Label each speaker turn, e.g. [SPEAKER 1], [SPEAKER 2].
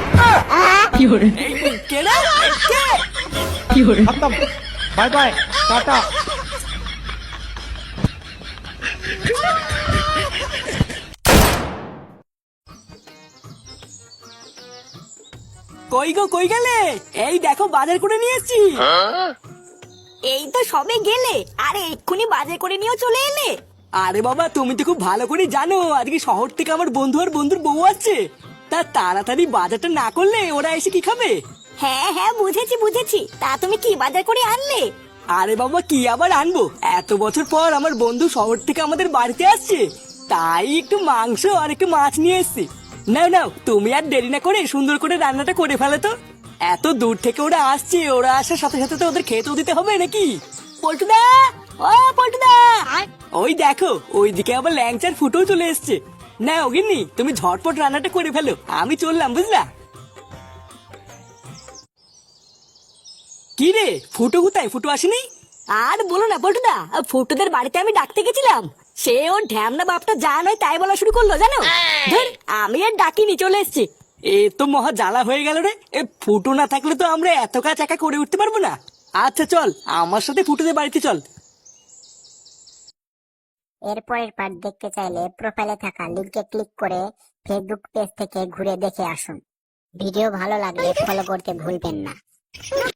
[SPEAKER 1] खत्म, bye bye, Tata.
[SPEAKER 2] কই গো, কই গেলে? এই দেখো বাজার করে নিয়ে এসেছি।
[SPEAKER 3] এই তো সবে গেলে, আরে এক্ষুনি বাজার করে নিয়েও চলে এলে।
[SPEAKER 2] আরে বাবা, তুমি তো খুব ভালো করে জানো আজকে শহর থেকে আমার বন্ধু আর বন্ধুর বউ আছে। তা তাড়াতাড়ি বাজারটা না করলে ওরা এসে কি খাবে?
[SPEAKER 3] হ্যাঁ হ্যাঁ, বুঝেছি বুঝেছি। তা তুমি কি বাজার করে আনলে?
[SPEAKER 2] আরে বাবা, কি আবার আনবো, এত বছর পর আমার বন্ধু শহর থেকে আমাদের বাড়িতে আসছে, তাই একটু মাংস আর একটু মাছ নিয়ে এসেছি। নাও নাও, তুমি আর দেরি না করে সুন্দর করে রান্নাটা করে ফেলে তো। এত দূর থেকে ওরা আসছে, ওরা আসার সাথে সাথে তো ওদের খেতেও দিতে হবে নাকি? পল্টুদা, ও পল্টুদা, ওই দেখো ওইদিকে আবার ল্যাংচার ফুটেও চলে এসছে। না ওগিন্নি, তুমি ঝটপট রান্নাটা করে ফেলো, আমি চললাম, বুঝলা? কি রে, ফুটো কোথায়? ফুটো আসেনি?
[SPEAKER 3] আর বলো না পল্টুদা, ফুটুদের বাড়িতে আমি ডাকতে গেছিলাম, সে ওর ঢ্যামনা বাপটা যা নয় তাই বলা শুরু করলো জানো। ধুর, আমি আর ডাকিনি, চলে এসেছি।
[SPEAKER 2] এ তো মহা জ্বালা হয়ে গেল রে। এ ফুটো না থাকলে তো আমরা এত কাজ একা করে উঠতে পারবো না। আচ্ছা চল, আমার সাথে ফুটোদের বাড়িতে চল।
[SPEAKER 4] এরপরের পার্ট দেখতে চাইলে প্রোফাইলে থাকা লিংকে ক্লিক করে ফেসবুক পেজ থেকে ঘুরে দেখে আসুন। ভিডিও ভালো লাগলে ফলো করতে ভুলবেন না।